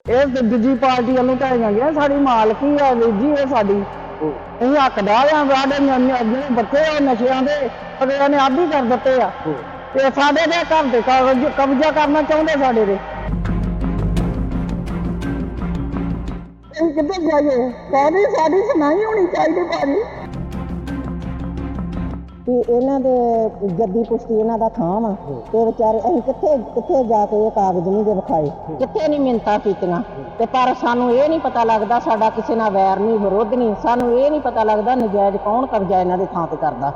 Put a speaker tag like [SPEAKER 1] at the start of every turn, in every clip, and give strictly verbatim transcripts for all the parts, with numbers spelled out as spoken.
[SPEAKER 1] ਇਹ ਦੂਜੀ ਪਾਰਟੀ ਵੱਲੋਂ ਢਾਈਆਂ ਗਿਆ ਸਾਡੀ ਮਾਲਕੀ ਆ ਵੀਰ ਜੀ ਇਹ ਸਾਡੀ ਅਸੀਂ ਹੱਕਦਾਰ ਆ ਸਾਡੇ ਜਿਹੜੇ ਬੱਚੇ ਆ ਨਸ਼ਿਆਂ ਦੇ ਅਗਲਿਆਂ ਨੇ ਆਦੀ ਕਰ ਦਿੱਤੇ ਆ ਤੇ ਸਾਡੇ ਦੇ ਘਰ ਦੇ ਕਾਗਜ਼ ਕਬਜ਼ਾ ਕਰਨਾ ਚਾਹੁੰਦੇ ਸਾਡੇ ਦੇ ਅਸੀਂ ਕਿੱਥੇ ਜਾਈਏ ਸਾਡੀ ਸਾਡੀ ਸੁਣਾਈ ਹੋਣੀ ਚਾਹੀਦੀ ਭਾਜੀ ਕਿ ਇਹਨਾਂ ਦੇ ਜੱਦੀ ਪੁਸ਼ਤੀ ਇਹਨਾਂ ਦਾ ਥਾਂ ਵਾ ਤੇ ਵਿਚਾਰੇ ਅਸੀਂ ਕਿੱਥੇ ਕਿੱਥੇ ਜਾ ਕੇ ਇਹ ਕਾਗਜ਼ ਨਹੀਂ ਦੇ ਵਿਖਾਏ ਕਿੱਥੇ ਨਹੀਂ ਮਿੰਨਤਾਂ ਕੀਤੀਆਂ ਤੇ ਪਰ ਸਾਨੂੰ ਇਹ ਨਹੀਂ ਪਤਾ ਲੱਗਦਾ ਸਾਡਾ ਕਿਸੇ ਨਾਲ ਵੈਰ ਨਹੀਂ ਵਿਰੋਧ ਨਹੀਂ ਸਾਨੂੰ ਇਹ ਨਹੀਂ ਪਤਾ ਲੱਗਦਾ ਨਜਾਇਜ਼ ਕੌਣ ਕਬਜ਼ਾ ਇਹਨਾਂ ਦੇ ਥਾਂ ਤੇ ਕਰਦਾ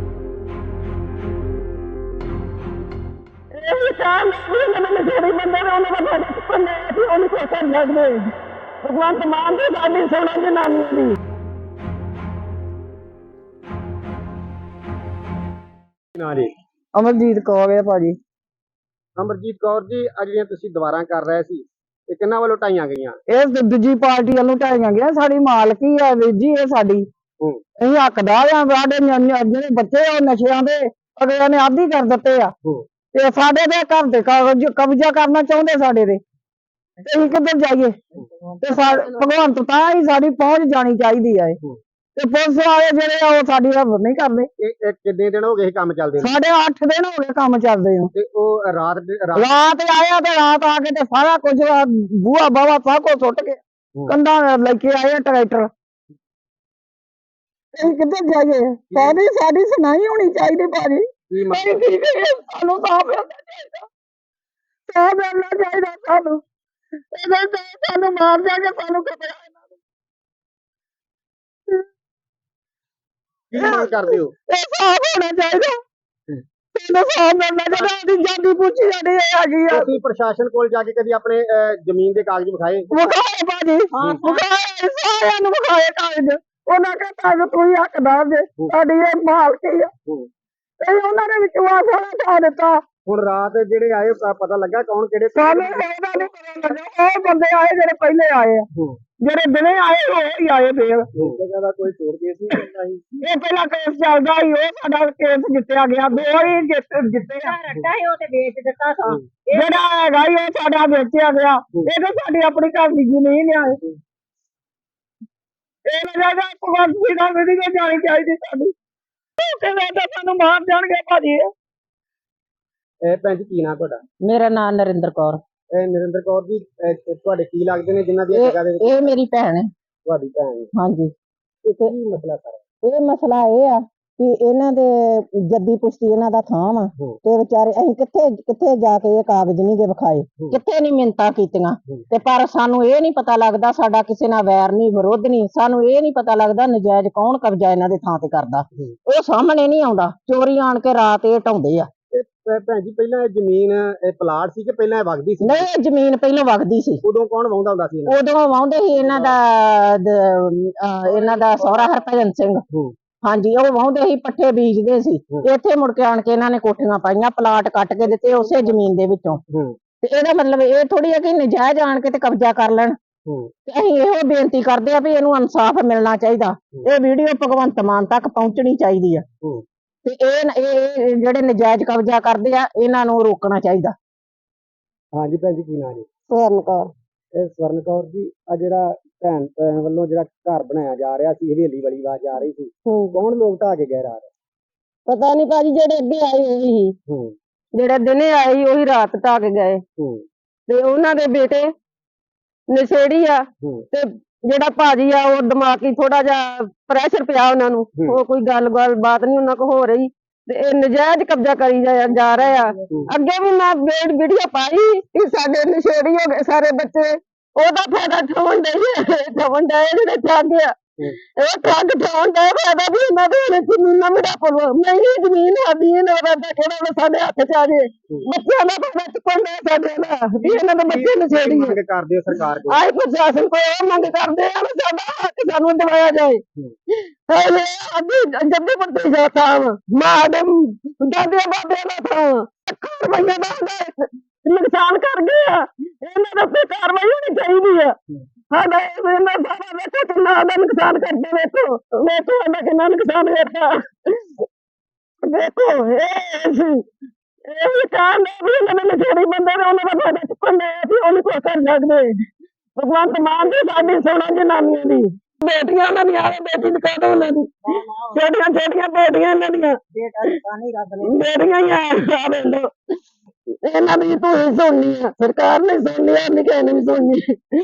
[SPEAKER 1] ਇਹ ਸ਼ਾਮ ਨੂੰ ਜਿਹੜੇ ਬੰਦੇ ਨੇ ਉਹਨਾਂ ਦਾ ਬਾਰੇ ਚੁੱਕਣੇ ਸੀ ਉਹਨੂੰ ਕੋਈ ਕਰ ਲੱਗਦੇ ਭਗਵਾਨ ਮਾਨ ਦੇ ਸਾਡੀ ਸੋਨਾ ਜਨਾਨੀ ਦੀ
[SPEAKER 2] ਜੀ
[SPEAKER 1] ਅਮਰਜੀਤ ਕੌਰ ਹੈ ਭਾਜੀ।
[SPEAKER 2] ਅਮਰਜੀਤ ਕੌਰ ਜੀ ਅੱਜ ਜਿਹੜੀਆਂ ਤੁਸੀਂ ਦੁਬਾਰਾ ਕਰ ਰਹੇ ਸੀ ਇਹ ਕਿੰਨਾ ਵੱਲੋਂ ਢਾਈਆਂ ਗਈਆਂ?
[SPEAKER 1] ਇਹ ਦੂਜੀ ਪਾਰਟੀ ਵੱਲੋਂ ਢਾਈਆਂ ਗਿਆ ਸਾਡੀ ਮਾਲਕੀ ਆ ਵੀਰ ਜੀ ਇਹ ਸਾਡੀ ਅਸੀਂ ਹੱਕਦਾਰ ਆ ਸਾਡੇ ਜਿਹੜੇ ਬੱਚੇ ਆ ਨਸ਼ਿਆਂ ਦੇ ਅਗਲਿਆਂ ਨੇ ਆਦੀ ਕਰ ਦਿੱਤੇ ਆ ਤੇ ਸਾਡੇ ਦੇ ਘਰ ਦੇ ਕਾਗਜ਼ ਕਬਜ਼ਾ ਕਰਨਾ ਚਾਹੁੰਦੇ ਸਾਡੇ ਦੇ ਅਸੀਂ ਕਿੱਧਰ ਜਾਈਏ ਤੇ ਭਗਵੰਤ ਤਾਂ ਹੀ ਸਾਡੀ ਪਹੁੰਚ ਜਾਣੀ ਚਾਹੀਦੀ ਆ ਤੇ ਪੁਲਿਸ ਵਾਲੇ ਜਿਹੜੇ ਆ ਉਹ ਸਾਡੀ ਹੱਥ ਨਹੀਂ ਕਰਦੇ।
[SPEAKER 2] ਇਹ ਕਿੰਨੇ ਦਿਨ ਹੋ ਗਏ ਕੰਮ ਚੱਲਦੇ ਨੂੰ?
[SPEAKER 1] ਸਾਡੇ ਅੱਠ ਦਿਨ ਹੋ ਗਏ ਕੰਮ ਚੱਲਦੇ ਨੂੰ
[SPEAKER 2] ਤੇ ਉਹ ਰਾਤ
[SPEAKER 1] ਰਾਤ ਆਇਆ ਤੇ ਰਾਤ ਆ ਕੇ ਤੇ ਸਾਰਾ ਕੁਝ ਬੂਹਾ ਬਾਵਾ ਸਭ ਕੁਝ ਸੁੱਟ ਕੇ ਕੰਧਾਂ ਲੈ ਕੇ ਆਏ ਟਰੈਕਟਰ ਅਸੀਂ ਕਿੱਧਰ ਜਾਈਏ ਸਾਡੀ ਸਾਡੀ ਸੁਣਾਈ ਹੋਣੀ ਚਾਹੀਦੀ ਭਾਜੀ ਸਾਨੂੰ ਸਾਫ ਮਿਲਣਾ ਚਾਹੀਦਾ ਸਾਫ ਮਿਲਣਾ ਚਾਹੀਦਾ ਸਾਨੂੰ ਇਹਦੇ ਤੇ ਸਾਨੂੰ ਮਾਰ ਜਾ ਕੇ ਸਾਨੂੰ ਕਬੜਾ
[SPEAKER 2] ਕੀ ਮੰਗ ਕਰਦੇ ਹੋ?
[SPEAKER 1] ਇਹ ਸਾਫ ਹੋਣਾ ਚਾਹੀਦਾ ਸਾਨੂੰ ਸਾਫ ਮਿਲਣਾ ਚਾਹੀਦਾ ਅਸੀਂ ਜਾਂਦੀ ਪੁੱਛੀ ਜਾਂਦੀ ਹੈਗੀ ਆ
[SPEAKER 2] ਤੁਸੀਂ ਪ੍ਰਸ਼ਾਸਨ ਕੋਲ ਜਾ ਕੇ ਕਦੀ ਆਪਣੇ ਜ਼ਮੀਨ ਦੇ ਕਾਗਜ਼ ਵਿਖਾਏ?
[SPEAKER 1] ਵਿਖਾਏ ਭਾਜੀ ਵਿਖਾਏ ਸਾਰਿਆਂ ਨੂੰ ਵਿਖਾਏ ਕਾਗਜ਼ ਉਹਨਾਂ ਕੇ ਕਾਗਜ਼ ਕੋਈ ਹੱਕਦਾਰ ਦੇ ਸਾਡੀ ਇਹ ਮਾਲਕੀ ਆ ਇਹ ਉਹਨਾਂ ਨੇ ਵਿਸ਼ਵਾਸ ਵਾਲਾ ਠਾ ਦਿੱਤਾ।
[SPEAKER 2] ਹੁਣ ਰਾਤ ਜਿਹੜੇ ਆਏ ਪਤਾ ਲੱਗਾ ਕੌਣ ਕਿਹੜੇ?
[SPEAKER 1] ਸਾਨੂੰ ਇਹਦਾ ਨਹੀਂ ਪਤਾ ਲੱਗਾ ਉਹ ਬੰਦੇ ਆਏ ਜਿਹੜੇ ਪਹਿਲੇ ਆਏ ਆ ਜਿਹੜੇ ਦਿਨੇ ਆਏ ਉਹ ਹੀ ਆਏ ਫੇਰ
[SPEAKER 2] ਦਾ ਕੋਈ ਚੋਰ ਕੇਸ ਨਹੀਂ
[SPEAKER 1] ਇਹ ਪਹਿਲਾਂ ਕੇਸ ਚੱਲਦਾ ਸੀ ਉਹ ਸਾਡਾ ਕੇਸ ਜਿੱਤਿਆ ਗਿਆ ਦੋ ਹੀ ਜਿੱਤੇ ਜਿੱਤੇ ਰੱਟਾ ਸੀ ਉਹ ਤੇ ਵੇਚ ਦਿੱਤਾ ਸੀ ਜਿਹੜਾ ਹੈਗਾ ਉਹ ਸਾਡਾ ਵੇਚਿਆ ਗਿਆ ਇਹ ਤਾਂ ਸਾਡੀ ਆਪਣੀ ਘਰ ਦੀ ਜ਼ਮੀਨ ਆ ਇਹ ਲਗਾਗਾ ਭਗਵੰਤ ਜੀ ਦਾ ਵੀਡੀਓ ਜਾਣੀ ਚਾਹੀਦੀ ਸਾਡੀ ਤੇ ਮੈਂ ਤਾਂ ਸਾਨੂੰ ਮਾਰ ਜਾਣਗੇ ਭਾਜੀ।
[SPEAKER 2] ਇਹ ਭੈਣ ਜੀ ਕੀ ਨਾਂ ਤੁਹਾਡਾ?
[SPEAKER 1] ਮੇਰਾ ਨਾਮ ਨਰਿੰਦਰ ਕੌਰ।
[SPEAKER 2] ਇਹ ਨਰਿੰਦਰ ਕੌਰ ਜੀ ਤੁਹਾਡੇ ਕੀ ਲੱਗਦੇ ਨੇ ਜਿਨ੍ਹਾਂ ਦੀ ਜਗ੍ਹਾ ਦੇ ਵਿੱਚ?
[SPEAKER 1] ਇਹ ਮੇਰੀ ਭੈਣ ਹੈ।
[SPEAKER 2] ਤੁਹਾਡੀ ਭੈਣ?
[SPEAKER 1] ਹਾਂਜੀ।
[SPEAKER 2] ਇਹ ਕੀ ਮਸਲਾ ਸਾਰਾ?
[SPEAKER 1] ਇਹ ਮਸਲਾ ਇਹ ਆ ਕਿ ਇਹਨਾਂ ਦੇ ਜੱਦੀ ਪੁਸ਼ਤੀ ਇਹਨਾਂ ਦਾ ਥਾਂ ਵਾ ਤੇ ਵਿਚਾਰੇ ਅਸੀਂ ਕਿੱਥੇ ਕਿੱਥੇ ਜਾ ਕੇ ਇਹ ਕਾਗਜ਼ ਨਹੀਂ ਦੇ ਵਿਖਾਏ ਕਿੱਥੇ ਨਹੀਂ ਮਿੰਨਤਾਂ ਕੀਤੀਆਂ ਤੇ ਪਰ ਸਾਨੂੰ ਇਹ ਨਹੀਂ ਪਤਾ ਲੱਗਦਾ ਸਾਡਾ ਕਿਸੇ ਨਾਲ ਵੈਰ ਨਹੀਂ ਵਿਰੋਧ ਨਹੀਂ ਸਾਨੂੰ ਇਹ ਨਹੀਂ ਪਤਾ ਲੱਗਦਾ ਨਜਾਇਜ਼ ਕੌਣ ਕਬਜ਼ਾ ਇਹਨਾਂ ਦੇ ਥਾਂ ਤੇ ਕਰਦਾ ਉਹ ਸਾਹਮਣੇ ਨਹੀਂ ਆਉਂਦਾ ਚੋਰੀ ਆਣ ਕੇ ਰਾਤ ਇਹ ਢਾਉਂਦੇ ਆ।
[SPEAKER 2] ਭੈਣ ਜੀ ਪਹਿਲਾਂ ਇਹ ਜ਼ਮੀਨ ਇਹ ਪਲਾਟ ਸੀ ਕਿ ਪਹਿਲਾਂ ਇਹ ਵਗਦੀ ਸੀ?
[SPEAKER 1] ਨਹੀਂ ਇਹ ਜ਼ਮੀਨ ਪਹਿਲਾਂ ਵਗਦੀ ਸੀ।
[SPEAKER 2] ਉਦੋਂ ਕੌਣ ਵਾਹੁੰਦਾ ਹੁੰਦਾ ਸੀ?
[SPEAKER 1] ਉਦੋਂ ਵਾਹੁੰਦੇ ਸੀ ਇਹਨਾਂ ਦਾ ਇਹਨਾਂ ਦਾ ਸਹੁਰਾ ਹਰਭਜਨ ਸਿੰਘ। ਹਾਂਜੀ ਉਹ ਵਾਹੁੰਦੇ ਸੀ ਪੱਠੇ ਬੀਜਦੇ ਸੀ ਇੱਥੇ ਮੁੜ ਕੇ ਆਣ ਕੇ ਇਹਨਾਂ ਨੇ ਕੋਠੀਆਂ ਪਾਈਆਂ ਪਲਾਟ ਕੱਟ ਕੇ ਦਿੱਤੇ ਉਸੇ ਜ਼ਮੀਨ ਦੇ ਵਿੱਚੋਂ ਤੇ ਇਹਦਾ ਮਤਲਬ ਇਹ ਥੋੜੀ ਹੈ ਕਿ ਨਜਾਇਜ਼ ਆਣ ਕੇ ਤੇ ਕਬਜ਼ਾ ਕਰ ਲੈਣ ਤੇ ਅਸੀਂ ਇਹੋ ਬੇਨਤੀ ਕਰਦੇ ਆ ਵੀ ਇਹਨੂੰ ਇਨਸਾਫ ਮਿਲਣਾ ਚਾਹੀਦਾ ਇਹ ਵੀਡੀਓ ਭਗਵੰਤ ਮਾਨ ਤੱਕ ਪਹੁੰਚਣੀ ਚਾਹੀਦੀ ਆ ਤੇ ਇਹ ਜਿਹੜੇ ਨਜਾਇਜ਼ ਕਬਜ਼ਾ ਕਰਦੇ ਆ ਇਹਨਾਂ ਨੂੰ ਰੋਕਣਾ ਚਾਹੀਦਾ।
[SPEAKER 2] ਹਾਂਜੀ ਭੈਣ ਜੀ ਕੀ ਨਾਂ ਜੀ?
[SPEAKER 1] ਸਵਰਨ ਕੌਰ।
[SPEAKER 2] ਇਹ ਸਵਰਨ ਕੌਰ ਜੀ ਆ ਜਿਹੜਾ ਭੈਣ ਭੈਣ ਵੱਲੋਂ ਜਿਹੜਾ ਘਰ ਬਣਾਇਆ ਜਾ ਰਿਹਾ ਸੀ ਹਵੇਲੀ ਵਾਲੀ ਆਵਾਜ਼ ਆ ਰਹੀ ਸੀ ਕੌਣ ਲੋਕ ਢਾਹ ਕੇ ਗਏ ਰਾਤ?
[SPEAKER 1] ਪਤਾ ਨਹੀਂ ਭਾਜੀ ਜਿਹੜੇ ਅੱਗੇ ਆਏ ਉਹੀ ਸੀ ਜਿਹੜੇ ਦਿਨੇ ਆਏ ਉਹੀ ਰਾਤ ਢਾਹ ਕੇ ਗਏ ਤੇ ਉਹਨਾਂ ਦੇ ਬੇਟੇ ਨਸ਼ੇੜੀ ਆ ਤੇ ਜਿਹੜਾ ਭਾਜੀ ਆ ਉਹ ਦਿਮਾਗੀ ਥੋੜਾ ਜਿਹਾ ਪ੍ਰੈਸ਼ਰ ਪਿਆ ਉਹਨਾਂ ਨੂੰ ਉਹ ਕੋਈ ਗੱਲ ਗੱਲ ਬਾਤ ਨਹੀਂ ਉਹਨਾਂ ਕੋ ਹੋ ਰਹੀ ਤੇ ਇਹ ਨਜਾਇਜ਼ ਕਬਜ਼ਾ ਕਰੀ ਜਾ ਰਹੇ ਆ। ਅੱਗੇ ਵੀ ਮੈਂ ਵੀਡੀਓ ਪਾਈ ਕਿ ਸਾਡੇ ਨਸ਼ੇੜੀ ਹੋ ਗਏ ਸਾਰੇ ਬੱਚੇ ਉਹਦਾ ਫਾਇਦਾ ਠਾਉਣ ਦੇ ਠਾਉਣ ਦੇ ਜਿਹੜੇ ਠੱਗ ਆ ਇਹ ਠੱਗ ਠਾਉਣ ਦਾ ਫਾਇਦਾ ਵੀ ਇਹਨਾਂ ਦੇ ਜ਼ਮੀਨਾਂ ਮੇਰਾ ਪਰਵਾ ਨਹੀਂ ਜ਼ਮੀਨ ਆਦੀ ਇਹਨਾਂ ਦਾ ਕਿਹੜਾ ਸਾਡੇ ਹੱਥ ਚ ਆ ਜੇ ਬੱਚਿਆਂ ਦਾ ਫਾਇਦਾ ਚੁੱਕਣ ਦੇ ਸਾਡੇ ਨਾਲ ਵੀ ਇਹਨਾਂ ਦੇ ਬੱਚੇ ਨਸ਼ੇੜੀ
[SPEAKER 2] ਮੰਗ ਕਰਦੇ ਹੋ ਸਰਕਾਰ ਕੋਲ?
[SPEAKER 1] ਆਏ ਪ੍ਰਸ਼ਾਸਨ ਕੋਲ ਇਹ ਮੰਗ ਕਰਦੇ ਆ ਸਾਡਾ ਹੱਕ ਸਾਨੂੰ ਦਿਵਾਇਆ ਜਾਏ। ਹਲੇ ਅੱਜ ਜੱਦੀ ਪੱਟੀ ਜਾਤਾ ਮਾਂ ਦੇ ਦਾਦੇ ਬਾਬੇ ਦਾ ਥਾਂ ਕਾਰਵਾਈਆਂ ਦਾ ਨੁਕਸਾਨ ਕਰ ਗਏ ਆ ਇਹਨਾਂ ਦੇ ਕਾਰਵਾਈ ਹੋਣੀ ਚਾਹੀਦੀ ਆ। ਸਾਡਾ ਇਹਨਾਂ ਸਾਰਾ ਵੇਖੋ ਕਿੰਨਾ ਦਾ ਨੁਕਸਾਨ ਕਰਦੇ ਵੇਖੋ ਵੇਖੋ ਸਾਡਾ ਕਿੰਨਾ ਨੁਕਸਾਨ ਵੇਖਿਆ ਵੇਖੋ ਇਹ ਇਹ ਵੀ ਕਾਰਨ ਵੀ ਇਹਨਾਂ ਨੇ ਨਸ਼ੇੜੀ ਬੰਦੇ ਨੇ ਉਹਨਾਂ ਦਾ ਫਾਇਦਾ ਚੁੱਕਣ ਦੇ ਅਸੀਂ ਉਹਨੂੰ ਕੋਈ ਕਰ ਸਕਦੇ ਭਗਵੰਤ ਮਾਨ ਦੀ ਸਾਡੀ ਸੁਣੋ ਜਨਾਨੀਆਂ ਦੀ ਬੇਟੀਆਂ ਉਹਨਾਂ ਦੀਆਂ ਆਵੇ ਬੇਟੀ ਨੂੰ ਕਹਿ ਦੋ ਉਹਨਾਂ ਦੀ ਛੋਟੀਆਂ ਛੋਟੀਆਂ ਬੇਟੀਆਂ ਇਹਨਾਂ ਦੀਆਂ ਬੇਟੀਆਂ ਹੀ ਆ ਆ ਵੇਖ ਲਓ ਇਹਨਾਂ ਦੀ ਤੂੰ ਹੀ ਸੁਣਨੀ ਆ ਸਰਕਾਰ ਨੇ ਸੁਣਨੀ ਆ ਨਹੀਂ ਕਿਸੇ ਨੇ ਵੀ ਸੁਣਨੀ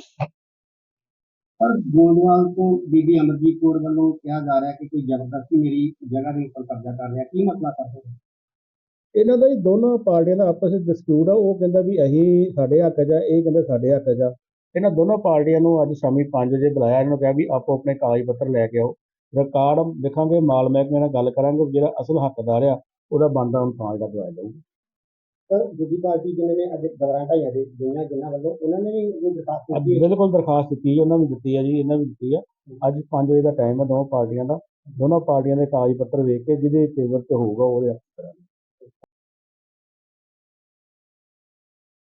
[SPEAKER 2] ਪਰ ਗੋਂਦਵਾਲ ਤੋਂ ਬੀਬੀ ਅਮਰਜੀਤ ਕੌਰ ਵੱਲੋਂ ਕਿਹਾ ਜਾ ਰਿਹਾ ਕਿ ਕੋਈ ਜ਼ਬਰਦਸਤੀ ਮੇਰੀ ਜਗ੍ਹਾ ਦੇ ਉੱਪਰ ਕਬਜ਼ਾ ਕਰ ਰਿਹਾ, ਕੀ ਮਸਲਾ ਕਰਦੇ ਹੋ?
[SPEAKER 3] ਇਹਨਾਂ ਦਾ ਹੀ ਦੋਨੋਂ ਪਾਰਟੀਆਂ ਦਾ ਆਪਸ ਵਿੱਚ ਡਿਸਪਿਊਟ ਆ। ਉਹ ਕਹਿੰਦਾ ਵੀ ਅਸੀਂ ਸਾਡੇ ਹੱਕ 'ਚ ਆ, ਇਹ ਕਹਿੰਦੇ ਸਾਡੇ ਹੱਕ 'ਚ ਆ। ਇਹਨਾਂ ਦੋਨੋਂ ਪਾਰਟੀਆਂ ਨੂੰ ਅੱਜ ਸ਼ਾਮੀ ਪੰਜ ਵਜੇ ਬੁਲਾਇਆ, ਇਹਨਾਂ ਨੂੰ ਕਿਹਾ ਵੀ ਆਪੋ ਆਪਣੇ ਕਾਗਜ਼ ਪੱਤਰ ਲੈ ਕੇ ਆਓ, ਰਿਕਾਰਡ ਦੇਖਾਂਗੇ, ਮਾਲ ਮਹਿਕਮੇ ਨਾਲ ਗੱਲ ਕਰਾਂਗੇ, ਜਿਹੜਾ ਅਸਲ ਹੱਕਦਾਰ ਆ ਉਹਦਾ ਬਣਦਾ ਇਨਸਾਨ ਜਿਹੜਾ ਦਵਾਇਆ ਜਾਊਗਾ।
[SPEAKER 2] ਪਰ ਦੂਜੀ ਪਾਰਟੀ ਜਿਹਨਾਂ ਨੇ ਅੱਜ ਦੌਰਾਨ ਢਾਈਆਂ ਦੇ ਗਈਆਂ ਜਿਨ੍ਹਾਂ ਵੱਲੋਂ ਉਹਨਾਂ ਨੇ ਵੀ ਇਹ ਦਰਖਾਸਤ
[SPEAKER 3] ਅੱਜ
[SPEAKER 2] ਦਿੱਤੀ ਹੈ।
[SPEAKER 3] ਬਿਲਕੁਲ ਦਰਖਾਸਤ ਦਿੱਤੀ ਹੈ, ਉਹਨਾਂ ਨੂੰ ਦਿੱਤੀ ਹੈ ਜੀ, ਇਹਨਾਂ ਨੂੰ ਦਿੱਤੀ ਆ। ਅੱਜ ਪੰਜ ਵਜੇ ਦਾ ਟਾਈਮ ਹੈ ਦੋਵਾਂ ਪਾਰਟੀਆਂ ਦਾ, ਦੋਨੋਂ ਪਾਰਟੀਆਂ ਦੇ ਕਾਗਜ਼ ਪੱਤਰ ਵੇਖ ਕੇ ਜਿਹਦੇ ਫੇਵਰ 'ਚ ਹੋਊਗਾ ਉਹਦੇ ਹੱਕ ਕਰਾਂਗੇ।